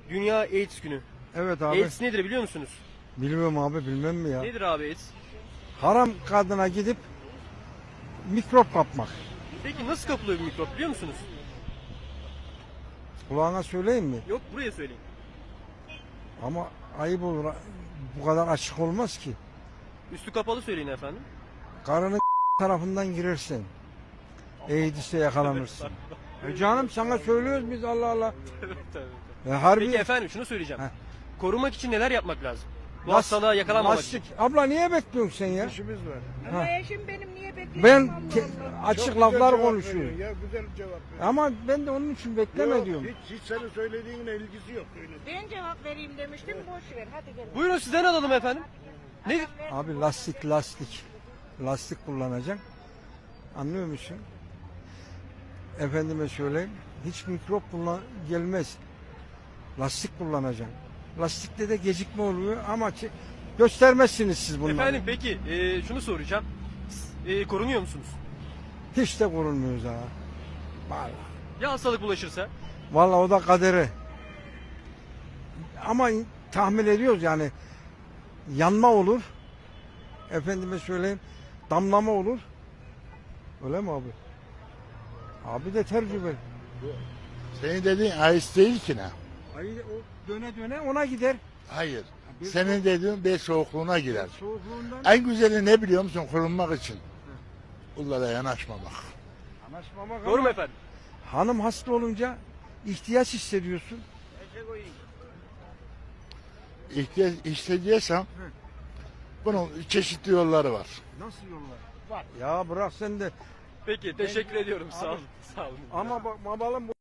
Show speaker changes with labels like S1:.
S1: Dünya AIDS günü.
S2: Evet abi.
S1: AIDS nedir biliyor musunuz?
S2: Bilmiyorum abi, bilmem mi ya?
S1: Nedir abi AIDS?
S2: Haram kadına gidip mikrop kapmak.
S1: Peki nasıl kapılıyor bir mikrop biliyor musunuz?
S2: Kulağına söyleyeyim mi?
S1: Yok, buraya söyleyin.
S2: Ama ayıp olur. Bu kadar açık olmaz ki.
S1: Üstü kapalı söyleyin efendim.
S2: Karının tarafından girersen AIDS'e yakalanırsın. Canım sana söylüyoruz biz, Allah Allah.
S1: Evet, tabii.
S2: Harbi.
S1: Peki efendim şunu söyleyeceğim.
S2: Heh.
S1: Korumak için neler yapmak lazım? Bu
S2: Lastik-
S1: hastalığa yakalanmamak
S2: lastik.
S1: için.
S2: Abla niye bekliyorsun sen ya?
S3: İşimiz var.
S2: Ha.
S4: Ama eşim benim niye bekliyor?
S2: Ben
S4: Allah Allah.
S2: açık
S3: Çok
S2: laflar
S3: güzel cevap
S2: konuşuyorum.
S3: veriyor Ya güzel cevap veriyor.
S2: Ama ben de onun için bekleme
S3: Yok,
S2: diyorum.
S3: hiç senin söylediğinle ilgisi yok. Öyle.
S4: Ben cevap vereyim demiştim, boş ver. Hadi gel.
S1: Buyurun sizden alalım efendim. Nedir?
S2: Abi lastik kullanacaksın. Anlıyor musun? Efendime söyleyeyim, hiç mikrop gelmez. Lastik kullanacaksın. Lastikte de gecikme oluyor ama göstermezsiniz siz bunları.
S1: Efendim peki şunu soracağım. Korunuyor musunuz?
S2: Hiç de korunmuyoruz ha. Vallahi.
S1: Ya hastalık bulaşırsa?
S2: Vallahi o da kaderi. Ama tahmin ediyoruz yani, yanma olur. Efendime söyleyeyim, damlama olur. Öyle mi abi? Abi de tecrübeli.
S5: Senin dediğin ais değil ki ne?
S2: Ay, o döne döne ona gider.
S5: Hayır. Senin dediğin bel soğukluğuna girer.
S2: Soğukluğundan
S5: En güzeli ne biliyor musun korunmak için? Bunlara yanaşmamak.
S2: anlaşmamak.
S1: Doğru mu
S2: ama
S1: efendim?
S2: hanım hasta olunca ihtiyaç hissediyorsun.
S5: İhtiyaç hissediyorsam bunun çeşitli yolları var.
S2: Nasıl yollar? Var. Ya bırak sen de.
S1: Peki teşekkür ediyorum. Sağ olun. Sağ olun.
S2: Ama bak babalım